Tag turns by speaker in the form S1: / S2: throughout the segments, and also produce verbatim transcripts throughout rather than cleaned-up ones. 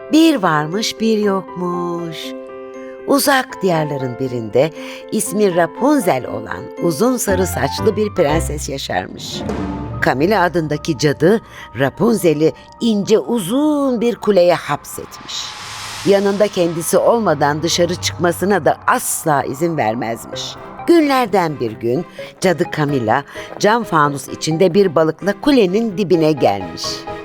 S1: Bir varmış bir yokmuş. Uzak diyarların birinde ismi Rapunzel olan uzun sarı saçlı bir prenses yaşarmış. Camilla adındaki cadı Rapunzel'i ince uzun bir kuleye hapsetmiş. Yanında kendisi olmadan dışarı çıkmasına da asla izin vermezmiş. Günlerden bir gün cadı Camilla cam fanus içinde bir balıkla kulenin dibine gelmiş.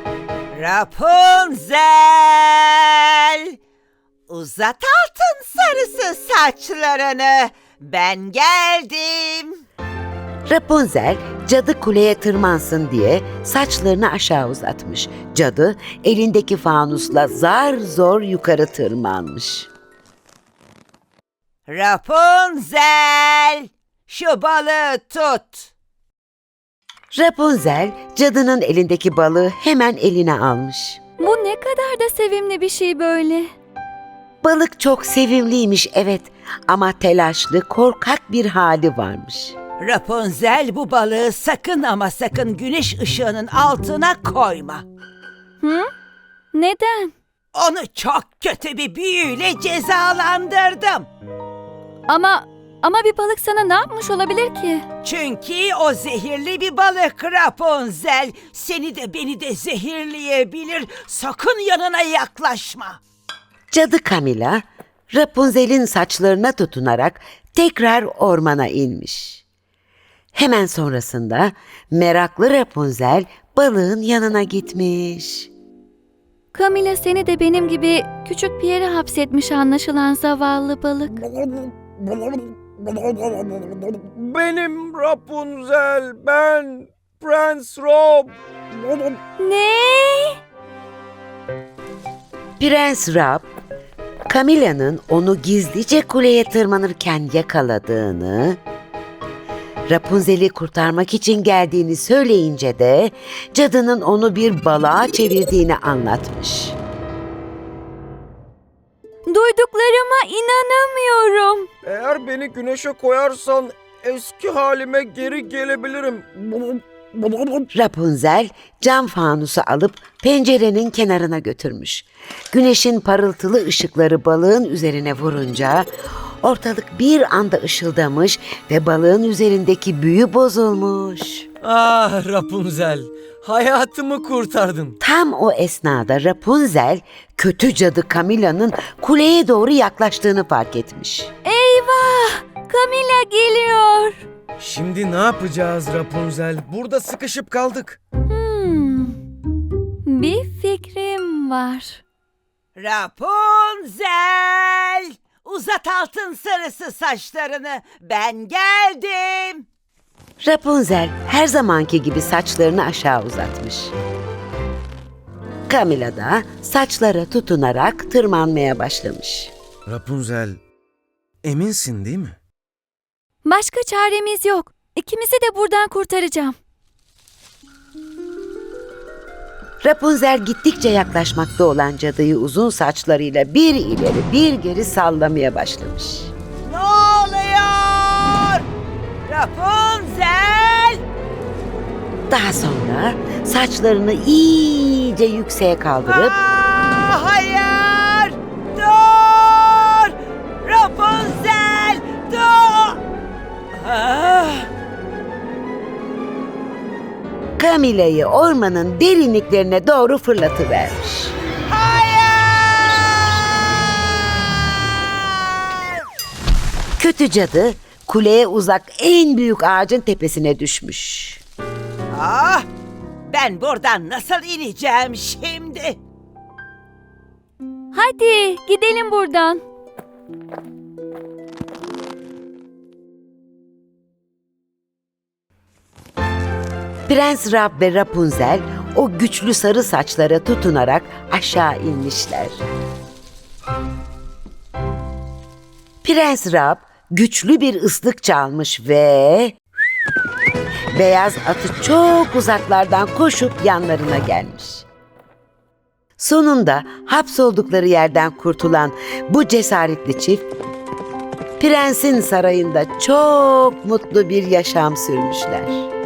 S2: Rapunzel! Uzat altın sarısı saçlarını. Ben geldim.
S1: Rapunzel cadı kuleye tırmansın diye saçlarını aşağı uzatmış. Cadı elindeki fanusla zar zor yukarı tırmanmış.
S2: Rapunzel! Şu balığı tut.
S1: Rapunzel cadının elindeki balığı hemen eline almış.
S3: Bu ne kadar da sevimli bir şey böyle.
S1: Balık çok sevimliymiş evet ama telaşlı, korkak bir hali varmış.
S2: Rapunzel, bu balığı sakın ama sakın güneş ışığının altına koyma.
S3: Hı? Neden?
S2: Onu çok kötü bir büyüyle cezalandırdım.
S3: Ama ama bir balık sana ne yapmış olabilir ki?
S2: Çünkü o zehirli bir balık Rapunzel. Seni de beni de zehirleyebilir. Sakın yanına yaklaşma.
S1: Cadı Camilla, Rapunzel'in saçlarına tutunarak tekrar ormana inmiş. Hemen sonrasında meraklı Rapunzel balığın yanına gitmiş.
S3: Camilla seni de benim gibi küçük bir yere hapsetmiş anlaşılan zavallı balık.
S4: Benim Rapunzel, ben Prens Rob.
S3: Ne?
S1: Prens Rab, Camilla'nın onu gizlice kuleye tırmanırken yakaladığını, Rapunzel'i kurtarmak için geldiğini söyleyince de cadının onu bir balığa çevirdiğini anlatmış.
S3: Duyduklarıma inanamıyorum.
S4: Eğer beni güneşe koyarsan eski halime geri gelebilirim.
S1: Rapunzel cam fanusu alıp pencerenin kenarına götürmüş. Güneşin parıltılı ışıkları balığın üzerine vurunca ortalık bir anda ışıldamış ve balığın üzerindeki büyü bozulmuş.
S4: Ah Rapunzel, hayatımı kurtardın.
S1: Tam o esnada Rapunzel kötü cadı Camilla'nın kuleye doğru yaklaştığını fark etmiş.
S3: Eyvah! Camilla geliyor.
S4: Şimdi ne yapacağız Rapunzel? Burada sıkışıp kaldık.
S3: Hmm. Bir fikrim var.
S2: Rapunzel! Uzat altın sarısı saçlarını. Ben geldim.
S1: Rapunzel her zamanki gibi saçlarını aşağı uzatmış. Camilla da saçlara tutunarak tırmanmaya başlamış.
S4: Rapunzel, eminsin değil mi?
S3: Başka çaremiz yok. İkimizi de buradan kurtaracağım.
S1: Rapunzel gittikçe yaklaşmakta olan cadıyı uzun saçlarıyla bir ileri bir geri sallamaya başlamış.
S2: Ne oluyor? Rapunzel!
S1: Daha sonra saçlarını iyice yükseğe kaldırıp
S2: Aa, hayır! Dur! Rapunzel! Dur! Ah!
S1: Camilla'yı ormanın derinliklerine doğru fırlatıvermiş.
S2: Hayır!
S1: Kötü cadı kuleye uzak en büyük ağacın tepesine düşmüş.
S2: Ah! Ben buradan nasıl ineceğim şimdi?
S3: Hadi gidelim buradan.
S1: Prens Rab ve Rapunzel o güçlü sarı saçlara tutunarak aşağı inmişler. Prens Rab güçlü bir ıslık çalmış ve beyaz atı çok uzaklardan koşup yanlarına gelmiş. Sonunda hapsoldukları yerden kurtulan bu cesaretli çift, prensin sarayında çok mutlu bir yaşam sürmüşler.